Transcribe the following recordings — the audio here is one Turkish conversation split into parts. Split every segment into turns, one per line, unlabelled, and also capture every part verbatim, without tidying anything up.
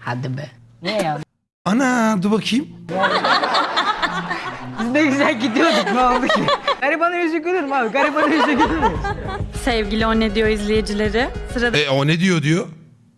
Hadi be. Ne ya?
Ana dur bakayım.
Biz ne güzel gidiyorduk, ne oldu ki? Garibanın yüzü gülür mü abi? Garibanın yüzü gülür mü?
Sevgili O Ne Diyor izleyicileri, sıradaki
E o ne diyor diyor?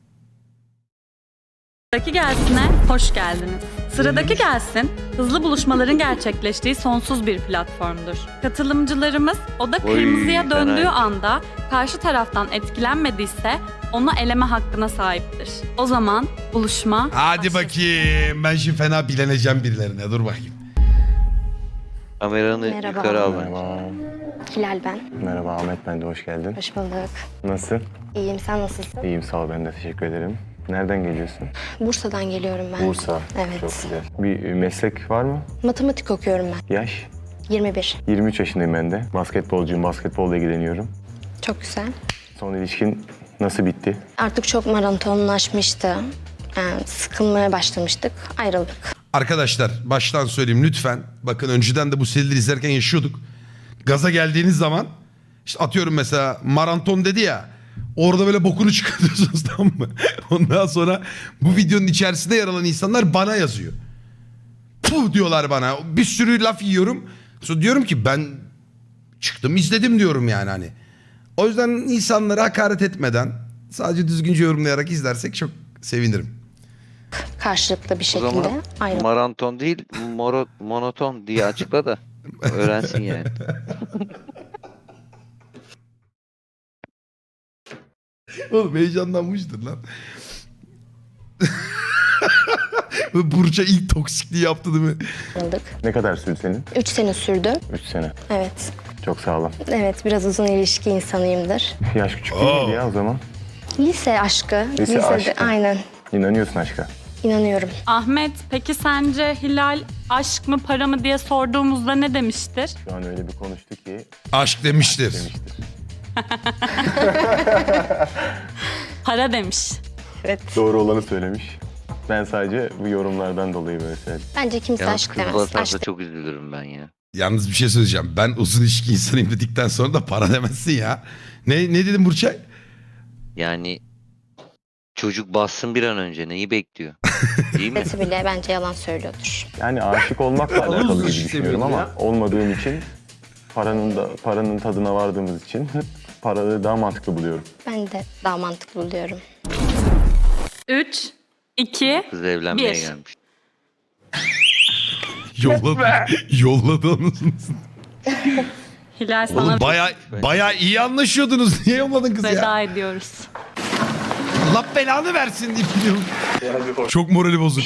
gelsine hoş geldiniz. Sıradaki gelsin, hızlı buluşmaların gerçekleştiği sonsuz bir platformdur. Katılımcılarımız oda kırmızıya
Oy,
döndüğü
fena.
anda karşı taraftan etkilenmediyse onu eleme hakkına sahiptir. O zaman buluşma
Hadi
başlasın.
bakayım. Ben şimdi fena bileneceğim birilerine. Dur bakayım.
Kameranı
Merhaba.
yukarı al.
Merhaba.
Hilal ben.
Merhaba Ahmet, ben de hoş geldin.
Hoş bulduk.
Nasılsın?
İyiyim, sen nasılsın?
İyiyim, sağ ol, ben de teşekkür ederim. Nereden geliyorsun?
Bursa'dan geliyorum ben.
Bursa.
Evet.
Çok güzel. Bir meslek var mı?
Matematik okuyorum ben.
Yaş?
yirmi bir.
yirmi üç yaşındayım ben de. Basketbolcuyum, basketbolla ilgileniyorum.
Çok güzel.
Son ilişkin nasıl bitti?
Artık çok maratonlaşmıştı. Yani sıkılmaya başlamıştık. Ayrıldık.
Arkadaşlar baştan söyleyeyim lütfen. Bakın önceden de bu serileri izlerken yaşıyorduk. Gaza geldiğiniz zaman işte atıyorum mesela maraton dedi ya. Orada böyle bokunu çıkartıyorsunuz, tamam mı? Ondan sonra bu videonun içerisinde yer alan insanlar bana yazıyor. Puh diyorlar bana. Bir sürü laf yiyorum. Sonra diyorum ki ben çıktım izledim diyorum yani hani. O yüzden insanlara hakaret etmeden sadece düzgünce yorumlayarak izlersek çok sevinirim.
Karşılıklı bir
O
şekilde
zaman
ayrıldık.
maraton değil, moro, monoton diye açıkla da öğrensin yani.
Oğlum heyecanlanmıştır lan. Burça ilk toksikliği yaptı değil mi?
Ayrıldık.
Ne kadar sürdü senin?
Üç sene sürdü.
Üç sene.
Evet.
Çok sağ olun.
Evet, biraz uzun ilişki insanıyımdır.
Yaş küçük değil miydi ya o zaman?
Lise aşkı.
Lise
Lisede,
aşkı.
aynen.
İnanıyorsun aşka.
İnanıyorum.
Ahmet, peki sence Hilal aşk mı para mı diye sorduğumuzda ne demiştir?
Şu an öyle bir konuştu ki
Aşk demiştir.
demiştir.
Para demiş.
Evet.
Doğru olanı söylemiş. Ben sadece bu yorumlardan dolayı böyle söyledim.
Bence kimse
Yalnız
aşk
kız
demez.
basarsa
Aşk
çok üzülürüm ben ya.
Yalnız bir şey söyleyeceğim. Ben uzun ilişki insanıyım dedikten sonra da para demezsin ya. Ne ne dedim Burçay?
Yani çocuk bassın bir an önce neyi bekliyor? Değil mi?
demesi bile bence yalan söylüyordur.
Yani aşık olmakla alakalı gibi
ilişki
düşünüyorum ama
ya.
olmadığım için paranın da paranın tadına vardığımız için paraları daha mantıklı buluyorum.
Ben de daha mantıklı buluyorum.
Üç, iki,
Kız evlenmeye
Bir.
gelmiş.
Yolladı. Yolladı onu.
Hilal sana
Oğlum baya baya iyi anlaşıyordunuz. Niye yolladın kızı ya?
veda ediyoruz.
Allah belanı versin deyip gidiyorum. Çok morali bozuk.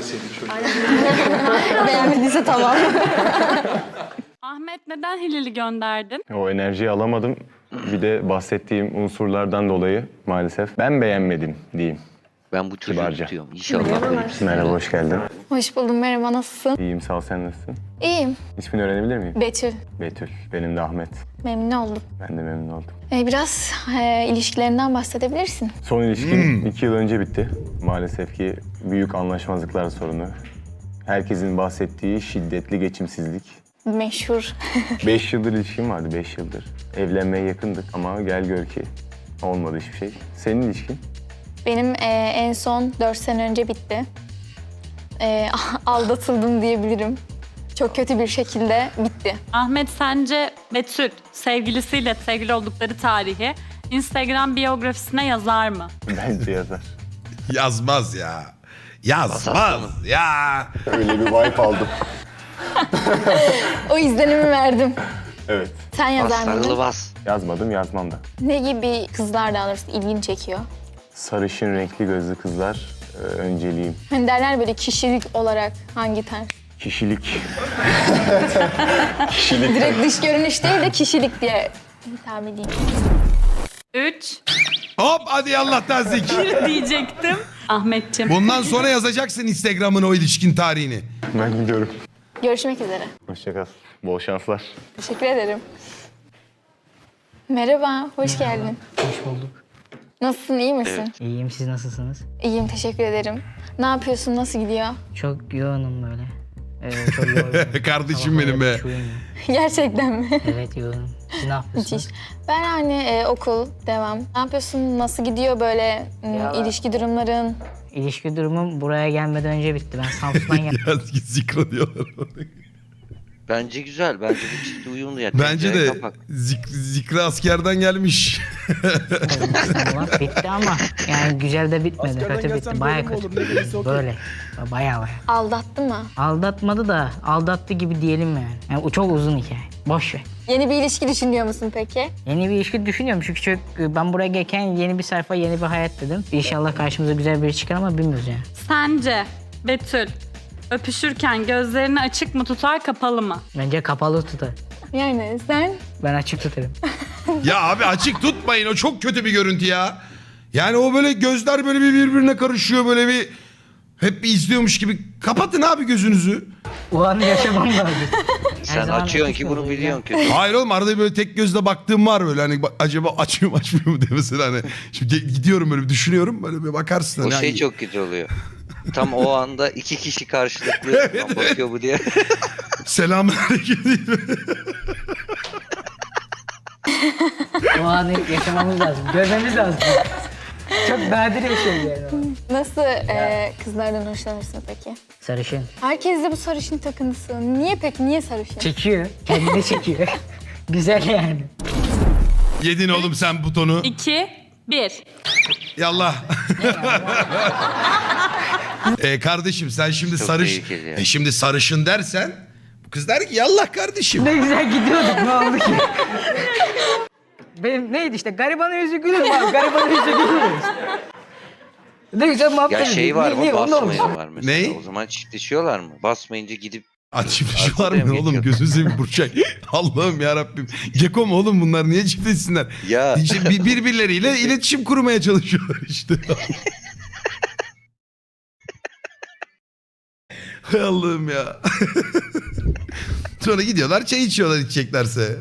Beğenmediyse tamam.
Ahmet, neden Hilal'i gönderdin?
O enerjiyi alamadım. Bir de bahsettiğim unsurlardan dolayı maalesef ben beğenmedim diyeyim.
Ben bu çocuğu
Kibarca.
tutuyorum. İnşallah böyle bir şey.
Merhaba, hoş geldin.
Hoş buldum, merhaba, nasılsın?
İyiyim, sağ ol, sen nasılsın?
İyiyim,
İsmini öğrenebilir miyim?
Betül.
Betül. Benim de Ahmet.
Memnun oldum.
Ben de memnun oldum.
Ee, biraz e, ilişkilerinden bahsedebilirsin.
Son ilişkim iki yıl önce bitti. Maalesef ki büyük anlaşmazlıklar sorunu. Herkesin bahsettiği şiddetli geçimsizlik.
Meşhur.
Beş yıldır ilişkim vardı, beş yıldır. Evlenmeye yakındık ama gel gör ki olmadı hiçbir şey. Senin ilişkin?
Benim e, en son dört sene önce bitti. E, aldatıldım diyebilirim. Çok kötü bir şekilde bitti.
Ahmet, sence Betül sevgilisiyle sevgili oldukları tarihi Instagram biyografisine yazar mı?
Bence yazar.
Yazmaz ya. Yazmaz ya.
Öyle bir vibe aldım.
O izlenimi verdim.
Evet.
Sen
Bas
yazar
sarılı
mıydın?
bas.
Yazmadım, yazmam da.
Ne gibi kızlar daha doğrusu ilgini çekiyor?
Sarışın renkli gözlü kızlar e, önceliğim.
Hani derler böyle kişilik olarak hangi tarz?
Kişilik. Kişilik.
Direkt dış görünüş değil de kişilik diye hitap edeyim.
Üç,
Hop hadi Allah'tan zeki.
bir diyecektim. Ahmetciğim.
Bundan sonra yazacaksın Instagram'ın o ilişkin tarihini.
Ben gidiyorum.
Görüşmek üzere.
Hoşça kal. Bol şanslar.
Teşekkür ederim. Merhaba, hoş geldin.
Hoş bulduk.
Nasılsın, iyi misin?
İyiyim, siz nasılsınız?
İyiyim, teşekkür ederim. Ne yapıyorsun, nasıl gidiyor?
Çok yoğunum böyle. Ee, çok yorgunum.
Kardeşim
Sabah
benim
böyle
be.
hiç uyumuyorum.
Gerçekten mi?
Evet yoğunum. Siz ne yapıyorsunuz?
Müthiş. Ben hani e, okul, devam. Ne yapıyorsun, nasıl gidiyor böyle m,
Ya-
ilişki durumların?
ilişki durumum buraya gelmeden önce bitti. Ben Samsun'dan geldim.
Ya zikra diyorlar.
Bence güzel. Bence bu çift uyumlu yani.
Bence
Tencere
de
kapak.
zik, zikra askerden gelmiş.
İstanbul'a. Bitti ama yani güzel de bitmedi. Kötü bitti. Baya kötü. Böyle. Baya baya.
Aldattı mı?
Aldatmadı da aldattı gibi diyelim yani. Yani o çok uzun hikaye. Boş ver.
Yeni bir ilişki düşünüyor musun peki?
Yeni bir ilişki düşünüyorum çünkü çok, ben buraya gelirken yeni bir sayfa, yeni bir hayat dedim. İnşallah karşımıza güzel biri çıkar ama bilmiyoruz yani.
Sence Betül öpüşürken gözlerini açık mı tutar kapalı mı?
Bence kapalı tutar.
Yani sen?
Ben açık tutarım.
Ya abi açık tutmayın, o çok kötü bir görüntü ya. Yani o böyle gözler böyle bir birbirine karışıyor, böyle bir hep bir izliyormuş gibi. Kapatın abi gözünüzü.
O anı yaşamam lazım. Her
Sen
zaman
açıyorsun
açık
ki bunu
olacak.
biliyorsun kötü.
Hayır oğlum, arada böyle tek gözle baktığım var böyle, hani bak- acaba açıyor mu açmıyor mu diye mesela, hani şimdi ge- gidiyorum böyle bir düşünüyorum, böyle bir bakarsın.
O
hani
şey
hani-
çok kötü oluyor. Tam o anda iki kişi karşılıklı "Lan bakıyor bu" diye.
Selamünaleyküm.
O anı yaşamamız lazım. Görmemiz lazım. Çok nadir bir şey yani.
Nasıl e, kızlardan hoşlanırsın peki?
Sarışın.
Herkes de bu sarışın takıntısı. Niye peki? Niye sarışın?
Çekiyor. Kendini çekiyor. Güzel yani.
Yedin oğlum sen butonu.
iki, bir.
Yallah. e, kardeşim sen şimdi
Çok
sarış
tehlikeli ya.
e, şimdi sarışın dersen bu kız der ki yallah kardeşim.
Ne güzel gidiyorduk, ne oldu ki? Benim neydi işte, garibanın yüzü gülür mü abi? Garibanın yüzü gülür mü? Ne güzel muhabbet
Ya şey
ediyoruz.
var
Ne-
mı?
ne- o ne olmuş?
Basmayan var mesela.
Ney?
O zaman çiftleşiyorlar mı? Basmayınca gidip
Açıp şu var
Arkada
mı
mı
oğlum,
geçiyor?
gözünü seveyim Burçak. Allah'ım ya Rabbim. Geko mu oğlum bunlar, niye çiftleşsinler?
ya
İşte bir- birbirleriyle iletişim kurmaya çalışıyorlar işte. Hay Allah'ım ya. Sonra gidiyorlar çay içiyorlar içeceklerse.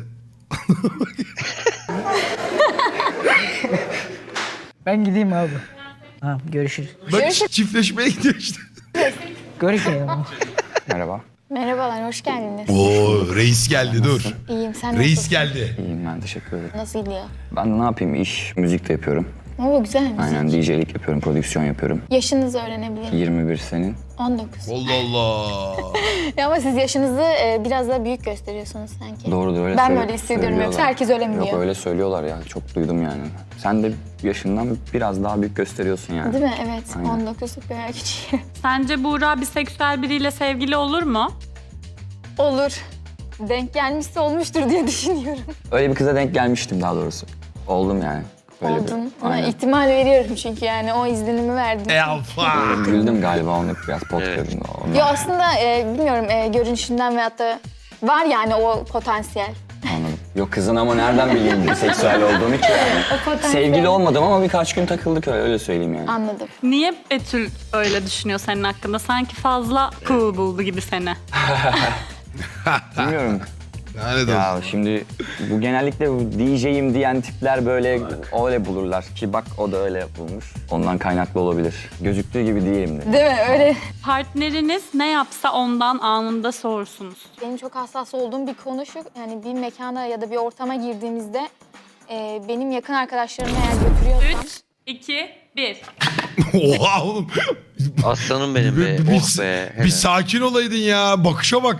Ben gideyim abi. Tamam, görüşürüz.
Bak çiftleşmeye gidiyor işte.
Görüşmeyelim.
Merhaba.
Merhabalar, hoş geldiniz.
Oo reis geldi dur.
İyiyim, sen
Reis
nasılsın?
geldi.
İyiyim ben, teşekkür ederim.
Nasıl gidiyor?
Ben ne yapayım, iş, müzik de yapıyorum.
Oo, güzel müzik.
Aynen D J'lik yapıyorum, prodüksiyon yapıyorum.
Yaşınızı öğrenebilir miyim?
yirmi bir senin.
on dokuz.
Allah Allah.
Ya ama siz yaşınızı e, biraz daha büyük gösteriyorsunuz sanki.
Doğrudur, öyle
Ben
söyle-
böyle hissediyorum,
söylüyorlar.
yoksa herkes öyle mi
Yok
diyor?
öyle söylüyorlar ya, çok duydum yani. Sen de yaşından biraz daha büyük gösteriyorsun yani.
Değil mi? Evet.
Aynen.
on dokuzluk bir küçüğüm.
Sence Buğra biseksüel biriyle sevgili olur mu?
Olur. Denk gelmişse olmuştur diye düşünüyorum.
Öyle bir kıza denk gelmiştim daha doğrusu. Oldum yani. Öyle
Oldun.
Bir,
Ona
aynen.
ihtimal veriyorum çünkü yani o izlenimi verdim.
E alfa.
Güldüm galiba onu biraz pot
Evet.
gördüm. Ondan
Yo aslında e, bilmiyorum e, görünüşünden veyahut da var yani o potansiyel.
anladım. Yok kızın ama nereden bileyim seksüel olduğunu ki yani.
O potansiyel.
Sevgili olmadım ama birkaç gün takıldık öyle, öyle söyleyeyim yani.
Anladım.
Niye Betül öyle düşünüyor senin hakkında? Sanki fazla cool buldu gibi seni.
Bilmiyorum.
Yani
Ya şimdi bu genellikle bu D J'yim diyen tipler böyle öyle bulurlar ki bak o da öyle bulmuş. Ondan kaynaklı olabilir. Gözüktüğü gibi değilim de.
Değil mi? Öyle.
Partneriniz ne yapsa ondan anında sorsunuz.
Benim çok hassas olduğum bir konu şu. Yani bir mekana ya da bir ortama girdiğimizde e, benim yakın arkadaşlarımı eğer götürüyorsam...
üç, iki, bir.
Oha oğlum.
aslanım benim be.
Bir, bir,
Oh be.
bir sakin olaydın ya. Bakışa bak.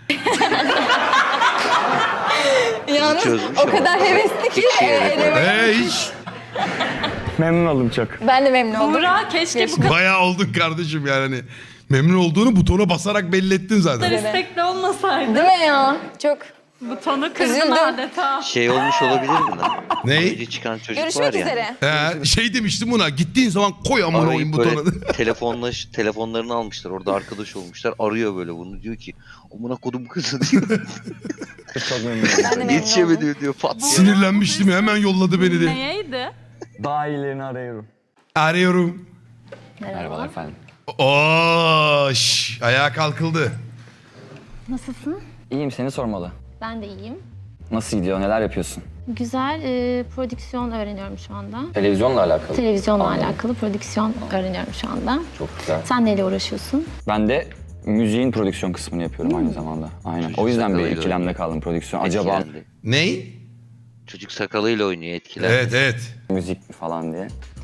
Yalnız
çözmüş
o
ama.
kadar hevesli ki
Hiç
e,
yere
eleme-
Ee hiç.
Memnun oldum çok.
Ben de memnun oldum.
Buğra keşke bu kadar
Bayağı oldun kardeşim yani. Hani memnun olduğunu butona basarak belli ettin zaten.
istekli olmasaydı.
Değil mi ya? Çok.
Butonu kırdın
Üzüldüm.
adeta.
Şey olmuş olabilir mi lan?
Ney?
Önce çıkan çocuk
Görüşmek
var ya.
üzere.
He, şey demiştim buna. Gittiğin zaman koy amına oyun
Arayıp böyle
butona.
telefonlaş, telefonlarını almışlar. Orada arkadaş olmuşlar. Arıyor böyle bunu. Diyor ki amına kodum kızı diyor.
Çok memnun
Ben de
oldum.
memnun oldum.
Yetişemedi diyor. Pat diye.
Sinirlenmiştim hemen yolladı beni de.
Neydi?
Daha iyilerini arıyorum.
Arıyorum.
Merhabalar efendim.
Oo, şş, ayağa kalkıldı.
Nasılsın?
İyiyim, seni sormalı.
Ben de iyiyim.
Nasıl gidiyor, neler yapıyorsun?
Güzel e, prodüksiyon öğreniyorum şu anda.
Televizyonla alakalı.
Televizyonla
Anladım.
alakalı prodüksiyon öğreniyorum şu anda.
Çok güzel.
Sen neyle uğraşıyorsun?
Ben de müziğin prodüksiyon kısmını yapıyorum aynı zamanda. Aynen.
Çocuk
O yüzden bir
sakalıyla
ikilemde
oynuyor.
kaldım prodüksiyon. Acaba
Etkilendi.
Ney?
Çocuk sakalıyla oynuyor etkiler.
Evet evet.
müzik mi falan diye.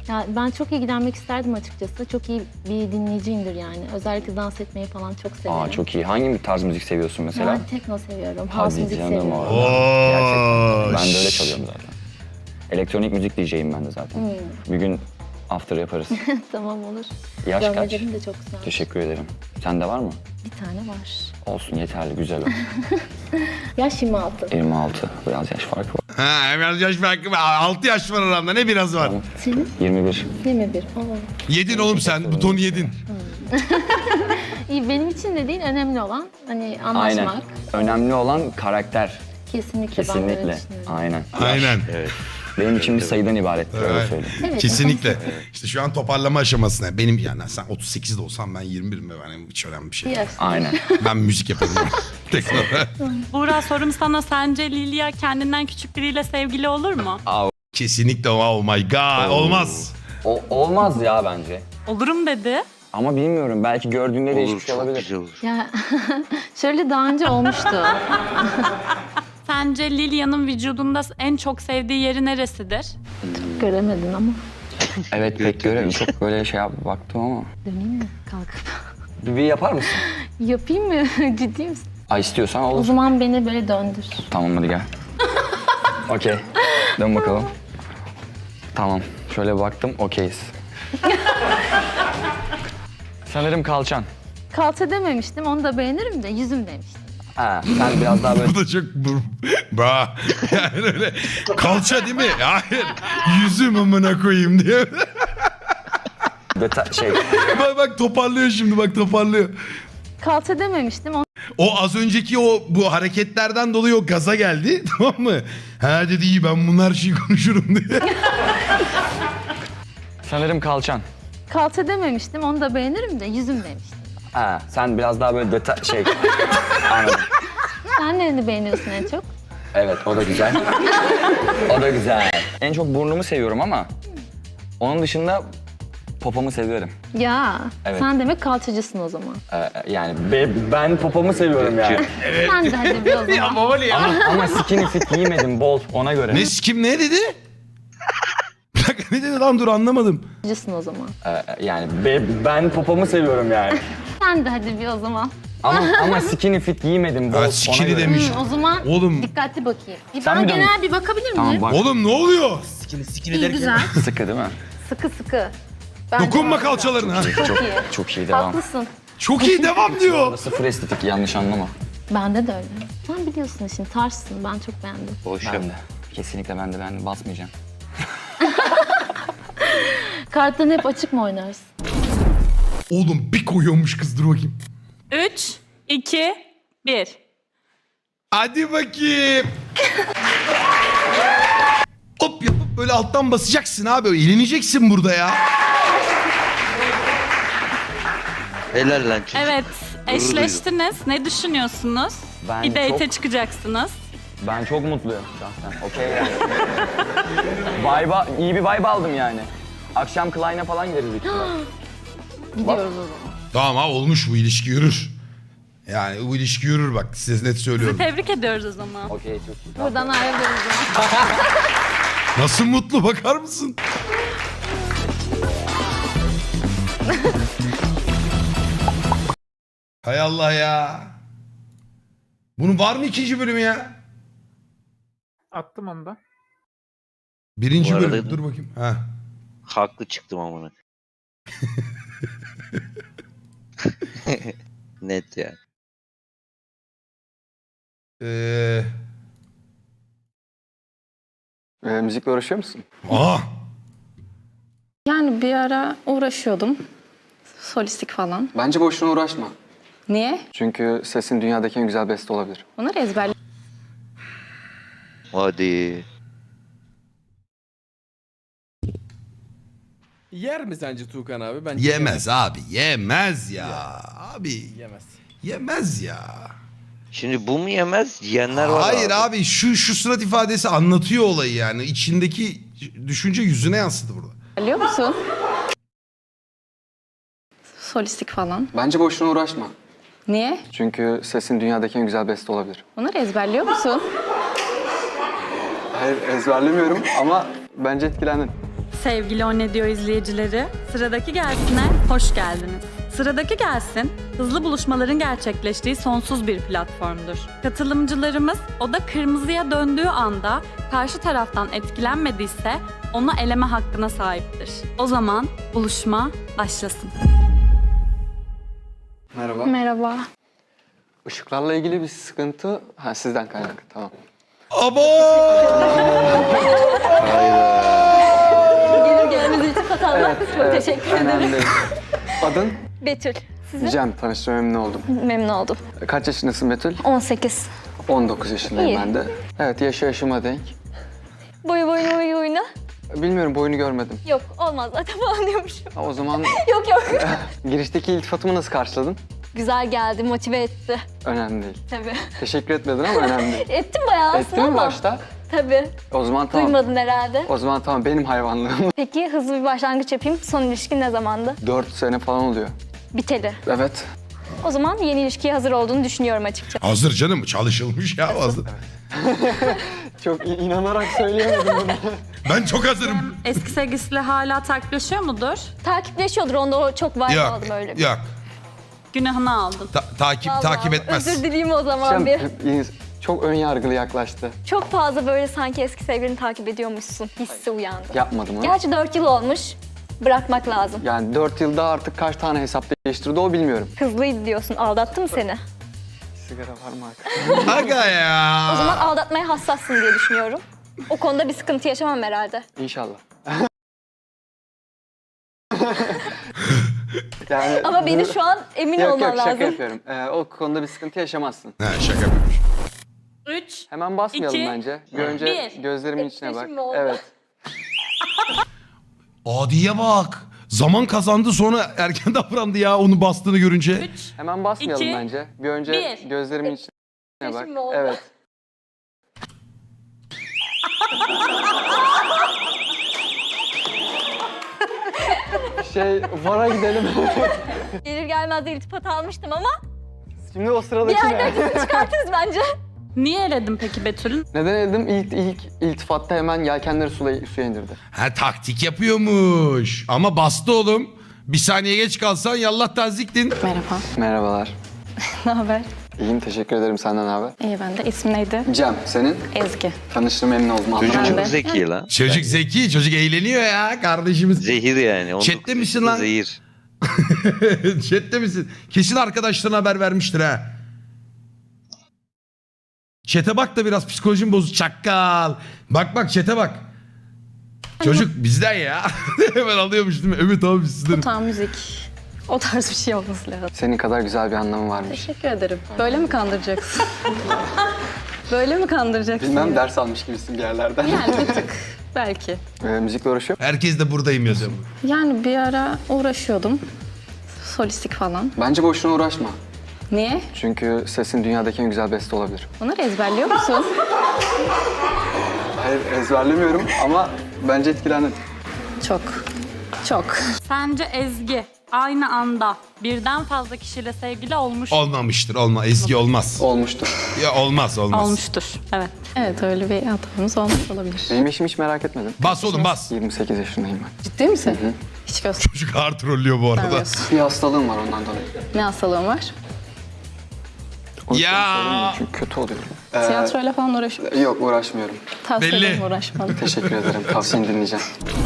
Ya ben çok ilgilenmek isterdim açıkçası. Çok iyi bir dinleyiciyimdir yani. Özellikle dans etmeyi falan çok severim.
Aa çok iyi. Hangi bir tarz müzik seviyorsun mesela?
Ben tekno seviyorum, house
Hadi
müzik
canım
seviyorum.
orada. Gerçekten. Ben de öyle çalıyorum zaten. Elektronik müzik D J'yim ben de zaten. Bir gün after yaparız.
Tamam olur.
Yaş kaç?
Görmelerim de çok güzel.
Teşekkür ederim. Sende var mı?
Bir tane var.
Olsun yeterli, güzel o.
Yaş yirmi altı.
yirmi altı. Biraz yaş farkı var.
Ha, biraz yaş farkı var. altı yaş var aramda. Ne biraz var?
Senin?
yirmi bir.
yirmi bir. Oo.
Yedin oğlum sen. Butonu yedin.
İyi, benim için de değil, önemli olan hani anlaşmak.
Aynen. Önemli olan karakter.
Kesinlikle, ben de öyle
Kesinlikle.
düşünüyorum.
Aynen.
Aynen.
Evet.
Benim için bir sayıdan ibarettir öyle
Evet.
söyleyeyim.
Evet,
Kesinlikle. İşte şu an toparlama aşamasına. Benim yani sen otuz sekizde olsam ben yirmi birim ve benim hiç önemli bir şey.
Bir
değil.
yaş.
Aynen.
Ben müzik yapabilirim. Tekrar.
Buğra, sorum sana, sence Lilia kendinden küçük biriyle sevgili olur mu?
Kesinlikle oh my god. Olmaz.
O, olmaz ya bence.
Olurum dedi.
Ama bilmiyorum. Belki gördüğünde
Olur,
değişmiş
çok
olabilir.
güzel olur.
Ya şöyle daha önce olmuştu.
Sence Lilia'nın vücudunda en çok sevdiği yeri neresidir?
Göremedin ama.
Evet pek görelim. Çok böyle şey yap baktım ama.
Döneyim mi kalkıp?
Bir, bir yapar mısın?
Yapayım mı? Ciddi misin?
Ay istiyorsan
O
olur.
zaman beni böyle döndür.
Tamam hadi gel. Okey. Dön bakalım. Tamam. Şöyle baktım. Okeyiz. Sanırım kalçan.
Kalça dememiştim, onu da beğenirim de yüzüm demiştim.
Ha, sen biraz daha böyle...
Bu da çok bra. Yani öyle kalça değil mi? Hayır. Yüzüm amına koyayım diye.
Deta- şey...
bak bak toparlıyor şimdi bak toparlıyor.
Kalça dememiştim, onu
O az önceki o bu hareketlerden dolayı o gaza geldi tamam mı? Ha dedi iyi ben bunlar her şeyi konuşurum diye.
Sanırım kalçan.
kalça dememiştim, onu da beğenirim de yüzüm demiştim.
Ha, sen biraz daha böyle deta- şey... Anladım.
Sen nereni beğeniyorsun en çok?
Evet, o da güzel. O da güzel. En çok burnumu seviyorum ama... Onun dışında popomu seviyorum.
Ya,
Evet.
sen demek kalçacısın o zaman.
Ee, yani be- ben popomu seviyorum yani.
Sen de hadi bir o zaman.
ama, ama skinny fit giymedim bol ona göre.
Ne kim ne dedi? Bir dakika ne dedi lan dur anlamadım.
Kalçacısın o zaman.
Ee, yani be- ben popomu seviyorum yani.
Sen de hadi bir o zaman.
Ama ama skinny fit giymedim bol
Ha,
ona
skinny
göre.
demiş.
Hı, o zaman
Oğlum.
dikkatli bakayım. Bir
Sen
bana
bir dön.
genel bir bakabilir miyim?
Tamam bak.
Oğlum ne oluyor?
İyi, güzel.
Sıkı değil mi?
Sıkı sıkı. Bence
Dokunma
harika.
kalçalarına.
Çok iyi.
Çok iyi devam.
Haklısın.
Çok iyi devam diyor.
Sıfır estetik yanlış anlama.
Bende de öyle. Sen biliyorsun işin, tarzsın. Ben çok beğendim.
Boş
Ben
yap.
de. Kesinlikle ben de ben de basmayacağım.
Kartlarını hep açık mı oynarsın?
Oğlum bir koyuyormuş kız dur bakayım.
üç, iki, bir.
Hadi bakayım. Hop yapıp böyle alttan basacaksın abi. Eğleneceksin burada ya.
Helal lan çocuk.
Evet, eşleştiniz. Ne düşünüyorsunuz?
Ben
bir date'e
çok-
çıkacaksınız.
Ben çok mutluyum şahsen. Okey yani. Vibe'a, iyi bir vibe aldım yani. Akşam Klein'e falan gideriz büyük ihtimalle.
Gidiyoruz o zaman.
Tamam ha olmuş bu ilişki yürür. Yani bu ilişki yürür bak size net söylüyorum.
Tebrik ediyoruz o zaman.
Okey çok iyi.
Buradan ayrılıyoruz o zaman.
Nasıl mutlu bakar mısın? Hay Allah ya. Bunun var mı ikinci bölümü ya?
Attım onu da.
Birinci
Bu arada-
bölüm. Dur bakayım. Ha.
Haklı çıktım amına. Net yani.
Ee...
Ee, müzikle uğraşıyor musun?
Aa.
Yani bir ara uğraşıyordum. Solistik falan.
Bence boşuna uğraşma.
Niye?
Çünkü sesin dünyadaki en güzel beste olabilir.
Bunları ezberledim.
Hadi.
Yer mi sence Tuğkan abi? Bence
Yemez abi. Yemez ya. Abi.
Yemez.
Yemez ya.
Şimdi bu mu yemez? Yiyenler var
Hayır
abi.
abi şu şu surat ifadesi anlatıyor olayı yani. İçindeki düşünce yüzüne yansıdı burada.
Biliyor musun? Solistik falan.
Bence boşuna uğraşma.
Niye?
Çünkü sesin dünyadaki en güzel beste olabilir.
Bunları ezberliyor musun?
Hayır ezberlemiyorum ama bence etkilendin.
Sevgili O Ne Diyor izleyicileri, Sıradaki Gelsin'e hoş geldiniz. Sıradaki Gelsin, hızlı buluşmaların gerçekleştiği sonsuz bir platformdur. Katılımcılarımız oda kırmızıya döndüğü anda karşı taraftan etkilenmediyse onu eleme hakkına sahiptir. O zaman buluşma başlasın.
Merhaba.
Merhaba.
Işıklarla ilgili bir sıkıntı... Ha sizden kaynaklı, tamam.
Abo!
Gelir gelmez iltifat almak. Çok teşekkür ederim.
Önemli değil. Adın?
Betül. Sizin?
Cem, tanıştığıma memnun oldum.
Memnun oldum.
Kaç yaşındasın Betül?
on sekiz.
on dokuz yaşındayım
İyi.
ben de. Evet, yaşı yaşıma denk.
Boyu boyuna boyu boyuna.
Bilmiyorum, boyunu görmedim.
Yok olmaz zaten falan diyormuşum.
Ha, o zaman
Yok yok.
girişteki iltifatımı nasıl karşıladın?
Güzel geldi, motive etti.
Önemli değil.
Tabii.
Teşekkür etmedin ama önemli değil.
Ettim bayağı aslında
Ettin mi
ama.
başta?
Tabii.
O zaman tamam.
Duymadın herhalde.
O zaman tamam, benim hayvanlığım.
Peki hızlı bir başlangıç yapayım. Son ilişkin ne zamandı?
Dört sene falan oluyor.
Biteli.
Evet.
O zaman yeni ilişkiye hazır olduğunu düşünüyorum açıkçası.
Hazır canım, çalışılmış ya hazır.
Çok in- inanarak söyleyemedim bunu.
Ben çok hazırım.
Eski sevgilisiyle hala takipleşiyor mudur?
Takipleşiyordur. Onda o çok vibe
Yok,
aldım öyle.
yok.
Günahını aldın.
Ta- takip
Vallahi
takip etmez.
Özür dileyim o zaman
Cem,
bir.
e, çok ön yargılı yaklaştı.
Çok fazla böyle sanki eski sevgilini takip ediyormuşsun hissi uyandı.
Yapmadım onu.
Gerçi dört yıl olmuş. Bırakmak lazım.
Yani dört yılda artık kaç tane hesap değiştirdi o bilmiyorum.
Hızlıydı diyorsun. Aldattı mı seni?
Sigara var mı arkadaşlar?
Aga ya.
O zaman aldatmaya hassassın diye düşünüyorum. O konuda bir sıkıntı yaşamam herhalde.
İnşallah. yani,
Ama beni
bunu-
şu an emin
Yok
olman
yok şaka
lazım.
yapıyorum. Ee, o konuda bir sıkıntı yaşamazsın.
Ha, şaka yapıyormuş.
Üç.
Hemen basmayalım
İki,
bence. Bir önce
bir.
gözlerimin içine bak.
Etkileşim mi oldu?
Evet.
Adiye bak. Zaman kazandı sonra erken davrandı ya onu bastığını görünce.
Üç.
Hemen basmayalım
İki,
bence. Bir önce
bir.
gözlerimin içine bak.
Etkileşim mi oldu?
Evet. şey, vara gidelim.
Gelir gelmez de iltifat almıştım ama
Şimdi o
bir
sıradaki
yerden
ne?
kesin çıkartırız bence.
Niye eledin peki Betül'ün?
Neden dedim? İlk, ilk iltifatta hemen yelkenleri suya, suya indirdi.
Ha taktik yapıyormuş. Ama bastı oğlum. Bir saniye geç kalsan yallah taziktin.
Merhaba.
Merhabalar.
Ne haber?
İyiyim, teşekkür ederim. Senden ne haber?
İyi ben de. İsim neydi?
Cem, senin?
Ezgi.
Tanıştığıma memnun oldum.
Çocuk
Anlamadım.
çok zeki lan.
Çocuk zeki, çocuk eğleniyor ya kardeşimiz.
Zehir yani. on dokuz
Chat'te misin
yaşında
lan?
Zehir.
Chat'te misin? Kesin arkadaşlarına haber vermiştir ha. Chat'e bak da biraz psikolojim bozuk. Çakkal. Bak bak chat'e bak. Çocuk bizden ya. Hemen alıyormuş değil mi? Evet abi sizden.
Tam müzik. O tarz bir şey olması lazım.
Senin kadar güzel bir anlamı varmış.
Teşekkür ederim. Böyle mi kandıracaksın? Böyle mi kandıracaksın?
Bilmem, ders almış gibisin bir yerlerden.
Yani bir tık. Belki.
Ee, müzikle uğraşıyor.
Herkes de buradayım yazıyor.
Yani bir ara uğraşıyordum. Solistik falan.
Bence boşuna uğraşma.
Niye?
Çünkü sesin dünyadaki en güzel beste olabilir.
Bunları ezberliyor musun?
Hayır, ezberlemiyorum ama bence etkilendin.
Çok. Çok.
Sence Ezgi aynı anda birden fazla kişiyle sevgili olmuş
Olmamıştır. Olma. Ezgi olmaz.
Olmuştur.
Ya olmaz olmaz.
olmuştur. Evet.
Evet öyle bir hatamız olmuş olabilir.
Benim eşimi hiç merak etmedim.
Bas oğlum bas.
yirmi sekiz yaşındayım ben.
Ciddi misin? Hiç
Çocuk ağır trollüyor bu arada.
göstermiyorsun.
Bir hastalığım var ondan dolayı.
Ne hastalığın var?
O yüzden
Ya.
söylemiyorum çünkü kötü oluyor. Ee,
Tiyatroyla falan uğraşıyor.
Yok, uğraşmıyorum.
Tavsiye
belli.
ederim uğraşmadım.
Teşekkür ederim. Tavsiyeni dinleyeceğim.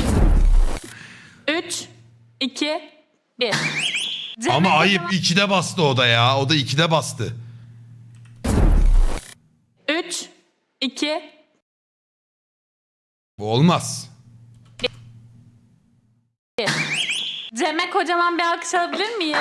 Üç, iki, bir.
Ama ayıp ikide bastı o da ya. O da ikide bastı.
Üç, iki,
Bu olmaz.
bir. Cem'e kocaman bir alkış alabilir miyiz?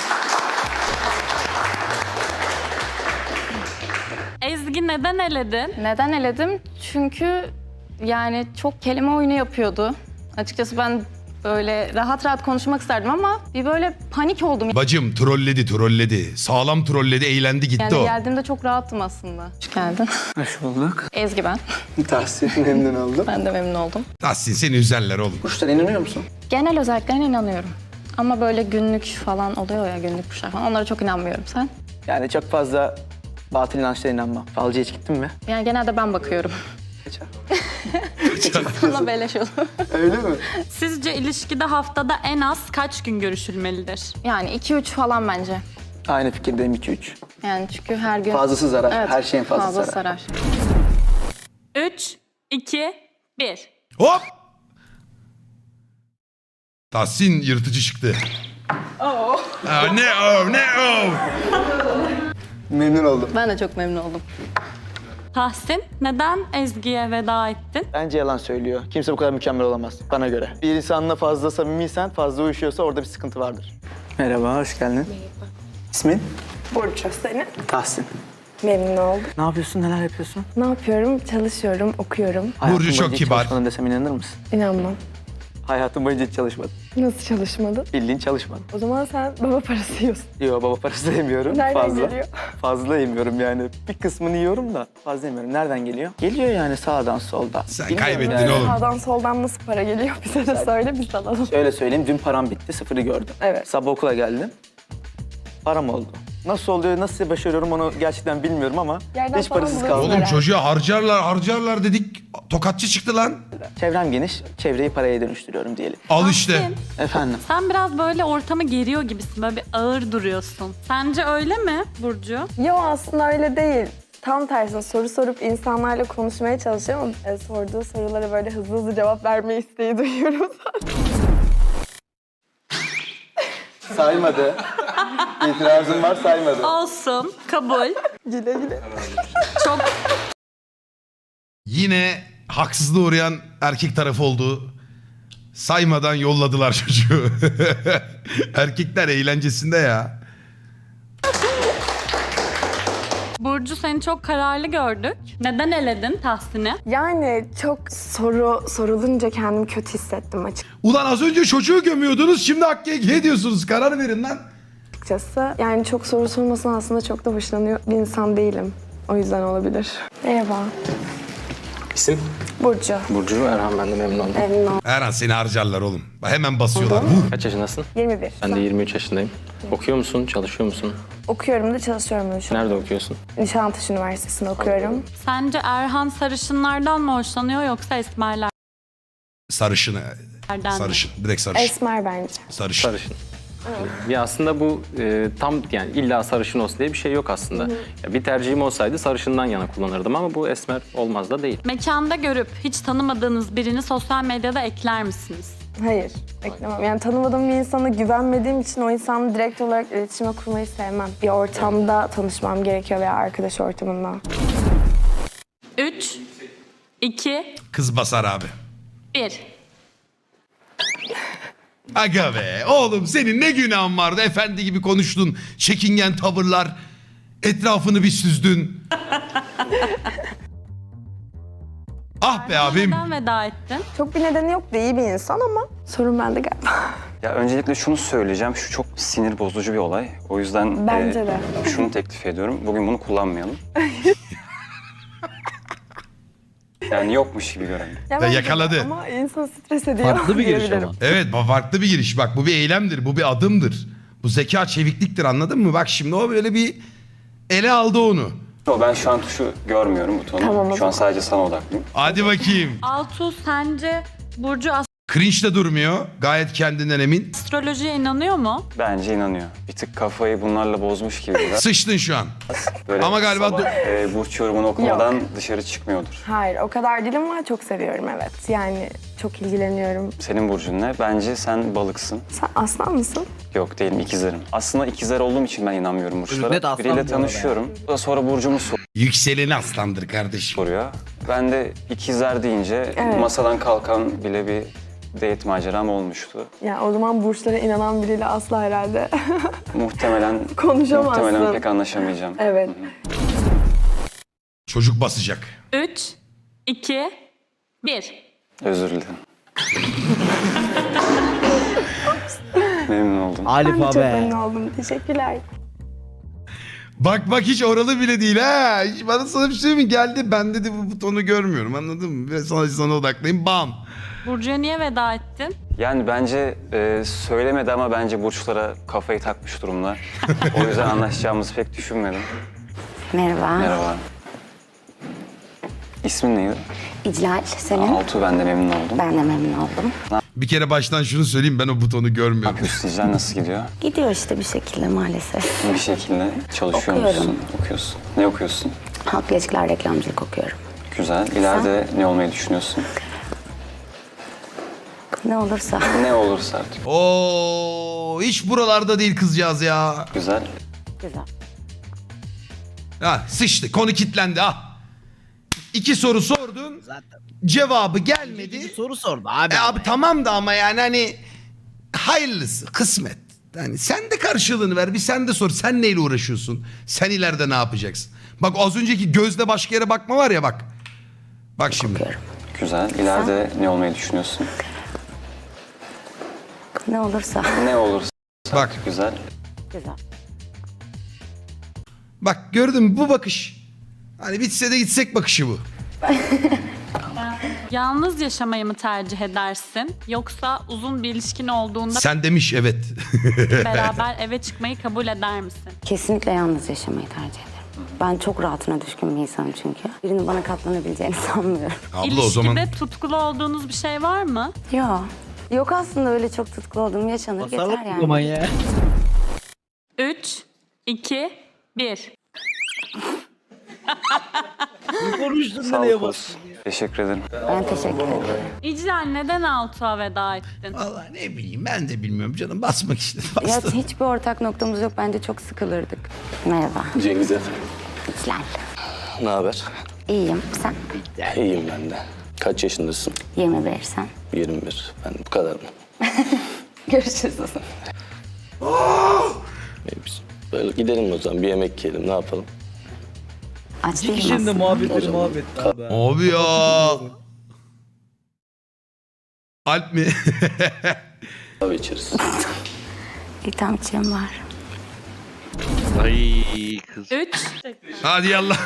Ezgi neden eledin?
Neden eledim? Çünkü yani çok kelime oyunu yapıyordu. Açıkçası ben böyle rahat rahat konuşmak isterdim ama bir böyle panik oldum.
Bacım trolledi trolledi. Sağlam trolledi eğlendi gitti
Yani
o.
geldiğimde çok rahattım aslında. Hoş geldin.
Hoş bulduk.
Ezgi ben.
Tavsiyenin memnun oldum.
Ben de memnun oldum.
Tahsin seni üzerler oğlum.
Kuşlara inanıyor musun?
Genel özelliklerine inanıyorum. Ama böyle günlük falan oluyor ya, günlük kuşlar falan. Onlara çok inanmıyorum. Sen?
Yani çok fazla batıl inançlara inanmam. Falcıya hiç gittin mi?
Yani genelde ben bakıyorum.
Geçer.
Sana beleş olur.
Öyle mi?
Sizce ilişkide haftada en az kaç gün görüşülmelidir?
Yani iki üç falan bence.
Aynı fikirdeyim iki üç.
Yani çünkü her gün...
Fazlası zarar.
Evet,
Her şeyin fazla,
fazla
zarar.
sarar.
üç, iki, bir.
Hop! Tahsin yırtıcı çıktı.
Oh.
Aa, ne o ne o.
Memnun oldum.
Ben de çok memnun oldum.
Tahsin, neden Ezgi'ye veda ettin?
Bence yalan söylüyor. Kimse bu kadar mükemmel olamaz bana göre. Bir insanla fazla samimiysen, fazla uyuşuyorsa orada bir sıkıntı vardır. Merhaba, hoş geldin. Merhaba. İsmin?
Burcu, senin?
Tahsin.
Memnun oldum.
Ne yapıyorsun, neler yapıyorsun?
Ne yapıyorum? Çalışıyorum, okuyorum.
Burcu çok
boyunca hiç
kibar.
çalışmadın desem inanır mısın?
İnanmam.
Hayatım boyunca hiç çalışmadım.
Nasıl çalışmadın?
Bildiğin çalışmadım.
O zaman sen baba parası yiyorsun.
Yok, baba parası da yemiyorum.
Nereden
fazla.
geliyor?
Fazla yemiyorum yani. Bir kısmını yiyorum da fazla yemiyorum. Nereden geliyor? Geliyor yani sağdan soldan.
Sen
Bilmiyorum
kaybettin
yani.
oğlum.
Sağdan soldan nasıl para geliyor? Bize de söyle, biz alalım.
Şöyle söyleyeyim, dün param bitti, sıfırı gördüm.
Evet.
Sabah okula geldim, param oldu. Nasıl oluyor, nasıl başarıyorum onu gerçekten bilmiyorum ama
Yerden
hiç
falan
parasız
buluyorsun
kaldım.
Oğlum
herhalde.
çocuğa harcarlar harcarlar dedik. Tokatçı çıktı lan.
Çevrem geniş, çevreyi paraya dönüştürüyorum diyelim.
Al işte.
Tahsin,
Efendim?
sen biraz böyle ortamı geriyor gibisin. Böyle bir ağır duruyorsun. Sence öyle mi Burcu?
Yo, aslında öyle değil. Tam tersine soru sorup insanlarla konuşmaya çalışıyorum ama e, sorduğu sorulara böyle hızlı hızlı cevap verme isteği duyuyorum zaten.
Saymadı. İtirazım var, saymadı.
Olsun, kabul.
Güle güle.
Çok
Yine haksızlığa uğrayan erkek tarafı oldu. Saymadan yolladılar çocuğu. Erkekler eğlencesinde ya.
Burcu, seni çok kararlı gördük. Neden eledin Tahsin'i?
Yani çok soru sorulunca kendimi kötü hissettim
Ulan az önce çocuğu gömüyordunuz, şimdi Hakkı'ya ediyorsunuz. Karar verin lan.
açıkçası. Yani çok soru sormasına aslında çok da hoşlanıyor bir insan değilim. O yüzden olabilir. Merhaba.
İsim?
Burcu.
Burcu Erhan, ben de memnun oldum.
Memnun oldum.
Erhan seni harcarlar oğlum. Hemen basıyorlar. Vur.
Kaç yaşındasın?
yirmi bir.
Ben de yirmi üç yaşındayım. Okuyor musun, çalışıyor musun?
Okuyorum da çalışıyorum da şu an.
Nerede okuyorsun?
Nişantaşı Üniversitesi'nde okuyorum.
Sence Erhan sarışınlardan mı hoşlanıyor yoksa esmerlerden
Sarışın.
mi?
Sarışın. Direkt sarışın.
Esmer bence.
Sarışın.
Sarışın. Ya aslında bu e, tam yani illa sarışın olsun diye bir şey yok aslında. Ya bir tercihim olsaydı sarışından yana kullanırdım ama bu esmer olmaz da değil.
Mekanda görüp hiç tanımadığınız birini sosyal medyada ekler misiniz?
Hayır, beklemem. Yani tanımadığım bir insana güvenmediğim için o insanla direkt olarak iletişime kurmayı sevmem. Bir ortamda tanışmam gerekiyor veya arkadaş ortamında.
üç, iki,
Kız basar abi.
bir.
Aga be oğlum, senin ne günahın vardı, efendi gibi konuştun. Çekingen tavırlar. Etrafını bir süzdün. Ah be abim.
Neden veda ettin?
Çok bir nedeni yok da iyi bir insan ama sorun bende galiba.
Ya öncelikle şunu söyleyeceğim. Şu çok sinir bozucu bir olay. O yüzden
Bence
e,
de.
şunu teklif ediyorum. Bugün bunu kullanmayalım. Yani yokmuş gibi görelim.
Ya
Ya
bence de
yakaladı.
Ama insan stres ediyor.
Farklı bir giriş
diyebilirim.
ama.
Evet, bu farklı bir giriş. Bak bu bir eylemdir, bu bir adımdır. Bu zeka çevikliktir, anladın mı? Bak şimdi o böyle bir ele aldı onu.
Yo, ben şu an tuşu görmüyorum butonu.
Tamam, o
şu an
zaman.
sadece sana odaklıyım.
Hadi bakayım.
Altuğ, sence Burcu
Cringe de durmuyor. Gayet kendinden emin.
astrolojiye inanıyor mu?
Bence inanıyor. Bir tık kafayı bunlarla bozmuş gibi biraz.
Sıçtın şu an.
Böyle
Ama galiba
sabah, e, burç yorumunu okumadan dışarı çıkmıyordur.
Hayır, o kadar değil ama çok seviyorum, evet. Yani çok ilgileniyorum.
Senin burcun ne? Bence sen balıksın.
Sen aslan mısın?
Yok değilim, ikizlerim. Aslında ikizler olduğum için ben inanmıyorum burçlara.
Net aslan bu
Biriyle
arada
tanışıyorum. O da sonra burcumu
Yükseleni aslandır kardeşim.
soruyor. Ben de ikizler deyince
Evet.
masadan kalkan bile bir date maceram olmuştu.
Ya o zaman burçlara inanan biriyle asla herhalde
Muhtemelen
konuşamazsın.
muhtemelen pek anlaşamayacağım.
Evet.
Çocuk basacak.
üç, iki, bir.
Özür dilerim. Memnun oldum.
Ben de
Alif
çok
abi.
memnun oldum. Teşekkürler.
Bak bak hiç oralı bile değil ha. Hiç bana sana bir şey mi geldi? Ben dedi bu butonu görmüyorum, anladın mı? Ve sana, sana odaklayayım, bam.
Burcu'ya niye veda ettin?
Yani bence e, söylemedi ama bence burçlara kafayı takmış durumda. O yüzden anlaşacağımızı pek düşünmedim.
Merhaba.
Merhaba. İsmin neydi?
İclal, senin?
Altuğ, ben de memnun oldum.
Ben de memnun oldum.
Bir kere baştan şunu söyleyeyim, ben o butonu görmüyorum.
Sizler nasıl gidiyor?
Gidiyor işte bir şekilde maalesef.
Bir şekilde çalışıyor
Okuyorum.
musun? Okuyorsun. Ne okuyorsun?
Halk ilişkiler, reklamcılık okuyorum.
Güzel. İleride ne olmayı düşünüyorsun?
Ne olursa.
Ne olursa artık.
Oo, hiç buralarda değil kızcağız ya.
Güzel.
Güzel.
Ha, sıçtı, konu kilitlendi ha. İki soru sordun, cevabı gelmedi.
Soru sordu abi.
E abi tamam da ama yani hani hayırlısı, kısmet. Yani sen de karşılığını ver, bir sen de sor. Sen neyle uğraşıyorsun? Sen ileride ne yapacaksın? Bak az önceki gözle başka yere bakma var ya bak. Bak şimdi.
Güzel. İleride ne olmayı düşünüyorsun?
Ne olursa.
Ne olursa.
Bak.
Güzel.
Güzel.
Bak gördün mü bu bakış. Hani bitse de gitsek bakışı bu.
Yalnız yaşamayı mı tercih edersin? Yoksa uzun bir ilişkin olduğunda
Sen demiş evet.
beraber eve çıkmayı kabul eder misin?
Kesinlikle yalnız yaşamayı tercih ederim. Ben çok rahatına düşkün bir insanım çünkü. Birinin bana katlanabileceğini sanmıyorum.
Abla o
İlişkide
zaman
tutkulu olduğunuz bir şey var mı?
Yok. Yok aslında öyle çok tutkulu olduğum yaşanır yeter yani.
ya.
üç, iki, bir.
Konuştun
Sağ
nereye
ol
bastın?
Teşekkür ederim.
Ben teşekkür ederim.
İclal neden Altuğ'a veda ettin?
vallahi ne bileyim ben de bilmiyorum canım basmak istedi.
Ya
Bastı.
hiçbir ortak noktamız yok. Bence çok sıkılırdık. Merhaba.
Cengiz efendim.
İclal.
Ne haber?
İyiyim. Sen?
İyiyim ben de. Kaç yaşındasın?
yirmi bir sen.
yirmi bir. Ben bu kadar mı?
Görüşürüz.
İyi, biz böyle gidelim o zaman. Bir yemek yiyelim. Ne yapalım?
Aç
İki
değilim
kişinin de
aslında.
muhabbetleri muhabbet abi.
Abi ya. Alp mi?
Kahve içeriz.
İyi tamam içeyim var.
Ay kız.
üç,
Hadi yallah.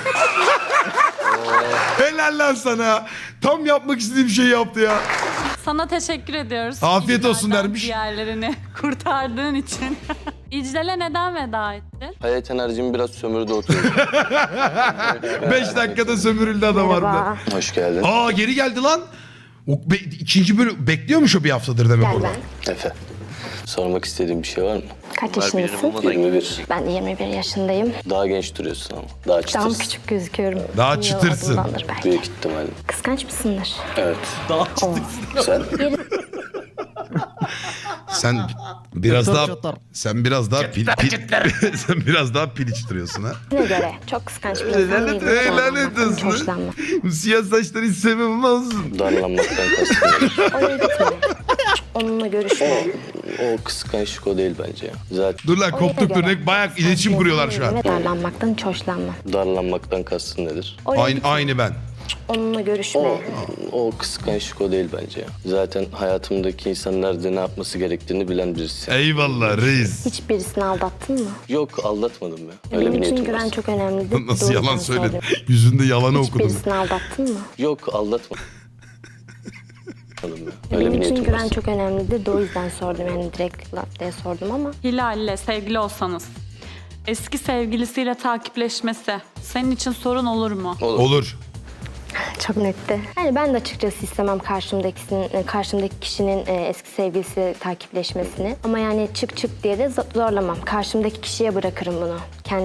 Helal lan sana. Tam yapmak istediğim şeyi yaptı ya.
sana teşekkür ediyoruz.
Afiyet olsun
İclal'den
dermiş.
Diğerlerini kurtardığın için. İclal'e neden veda ettin?
Hayat enerjimi biraz sömürdü oturuyor.
Beş dakikada sömürüldü adam harbiden.
Hoş geldin.
Aa geri geldi lan. O be- ikinci bölüm bekliyormuş o bir haftadır demek
Gel
orada.
ben.
Efe. Sormak istediğim bir şey var mı?
Kaç
Bunlar benim
yaşındasın?
olmadan
yirmi bir.
Ben de yirmi bir yaşındayım.
Daha genç duruyorsun ama. Daha
Daha
çıtırsın.
küçük gözüküyorum.
Daha
Yıl
çıtırsın.
adımdandır belki.
Büyük ihtimalle.
Kıskanç mısındır?
Evet.
Daha
Oo.
Sen?
Sen biraz
Çatır
daha
çatır.
sen biraz daha pil, pil- sen biraz daha pil içtiriyorsun ha.
Ne göre? Çok kıskanç bir insan
Lanet,
değilim.
lanet
Hiç
olsun.
hoşlanmam.
Bu siyah saçları hiç sevmem olsun.
Darlanmaktan kastım.
Oraya gitme. Onunla görüşme.
O kıskançlık o değil bence ya. Zaten
Dur lan
Oraya
koptuk dur
göre.
ne bayağı iletişim kuruyorlar şu an.
Ve darlanmaktan hiç hoşlanmam.
darlanmaktan kastın nedir?
Oraya
Aynı,
gitme.
aynı ben.
Onunla görüşme.
O kıskançlık o değil bence ya. Zaten hayatımdaki insanlar da ne yapması gerektiğini bilen birisi.
Eyvallah reis.
Hiç birisini aldattın mı?
Yok aldatmadım ya. Öyle
Benim
bir
için
niyetim
güven
var.
çok önemlidir.
Nasıl
Doğru
yalan
sen
söyledin?
söyledin.
Yüzünde yalanı
Hiç
okudum.
birisini aldattın mı?
Yok aldatmadım ya. Öyle
Benim
bir
için
niyetim
güven
var.
çok önemlidir. De o yüzden sordum. Yani direkt laf diye sordum ama.
Hilal'le sevgili olsanız eski sevgilisiyle takipleşmesi senin için sorun olur mu?
Olur.
Olur.
Çok netti. Yani ben de açıkçası istemem karşımdakisinin, karşımdaki kişinin e, eski sevgilisi takipleşmesini. Ama yani çık çık diye de zo- zorlamam. Karşımdaki kişiye bırakırım bunu. Kendi